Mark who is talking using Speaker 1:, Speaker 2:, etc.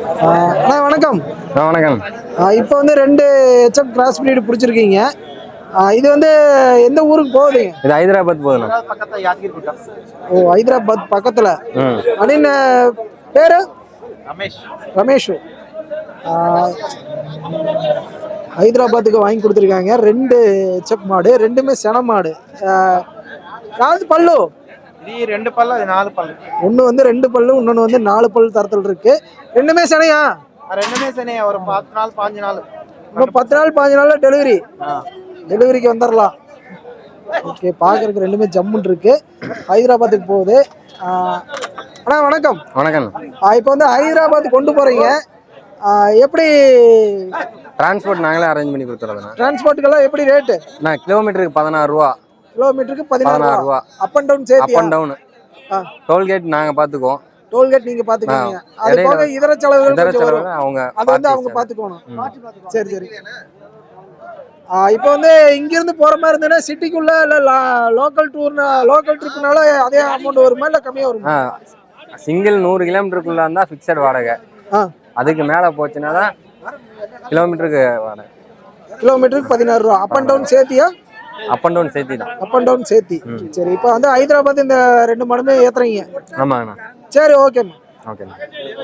Speaker 1: அண்ணா வணக்கம்.
Speaker 2: வணக்கம்.
Speaker 1: இப்போ வந்து 2 ஹெச்எஃப் கிராஸ் பிரீடு பிடிச்சிருக்கீங்க. இது வந்து எந்த ஊருக்கு போகுதுங்க?
Speaker 2: இது ஹைதராபாத் போகுதுண்ணா.
Speaker 1: ஓ, ஹைதராபாத் பக்கத்தில். அப்படின்னு பேர் ரமேஷ். ஹைதராபாத்துக்கு வாங்கி கொடுத்துருக்காங்க 2 ஹெச்எஃப் மாடு, ரெண்டுமே சென மாடு. யாவது பல்லு?
Speaker 3: இது 2 பல்லு, அது 4 பல்லு.
Speaker 1: ஒன்று வந்து 2 பல்லு, இன்னொன்று வந்து 4 பல் தரத்தில் இருக்கு. ரெண்டுமே செனையா?
Speaker 3: ரெண்டுமே சனியா, ஒரு 10 நாள் 15 நாள்.
Speaker 1: இன்னும் 10 நாள் 15 நாள்ல டெலிவரிக்கு வந்துடலாம். ஓகே, பார்க்கறதுக்கு ரெண்டுமே ஜம்முன் இருக்கு. ஹைதராபாத்துக்கு போகுது. அண்ணா வணக்கம்.
Speaker 2: வணக்கம்.
Speaker 1: இப்போ வந்து ஹைதராபாத் கொண்டு போறீங்க, எப்படி
Speaker 2: டிரான்ஸ்போர்ட் நாங்களே அரேஞ்ச் பண்ணி கொடுத்துறதுண்ணா.
Speaker 1: டிரான்ஸ்போர்ட்டுக்கெல்லாம் எப்படி ரேட்டு?
Speaker 2: நான் கிலோமீட்டருக்கு 16 ரூபா.
Speaker 1: கிலோமீட்டருக்கு 16 ரூபா. அப் அண்ட் டவுன் சேர்த்து?
Speaker 2: அப் அண்ட் டவுன். டோல்கேட் நாங்கள் பார்த்துக்குவோம்.
Speaker 1: டோல்கேட் நீங்க பாத்துக்கீங்க. அது போக இதர செலவுகள் அவங்க அது வந்து அவங்க பாத்துக்கணும். சரி சரி. இப்போ வந்து இங்க இருந்து போற மாதிரி இருந்ததுன்னா சிட்டிக்குள்ள இல்ல லோக்கல் ட்ரிப்னால அதே அமௌண்ட் வருமா இல்ல கம்மியா வருமா?
Speaker 2: சிங்கிள் 100 கிலோமீட்டருக்குள்ள இருந்தா ஃபிக்ஸட் வாடகை. அதுக்கு மேல போச்சுன்னா தான் கிலோமீட்டருக்கு வாடகை.
Speaker 1: கிலோமீட்டருக்கு 16 ரூபா. அப் அண்ட் டவுன் சேர்த்தியா?
Speaker 2: அப் அண்ட் டவுன் சேர்த்தி தான்.
Speaker 1: அப் அண்ட் டவுன் சேர்த்தி. சரி, இப்போ வந்து ஹைதராபாத் இந்த 2 மடமே ஏத்துறீங்க?
Speaker 2: ஆமாங்கண்ணா.
Speaker 1: சரி, ஓகேம்மா.
Speaker 2: ஓகேண்ணா.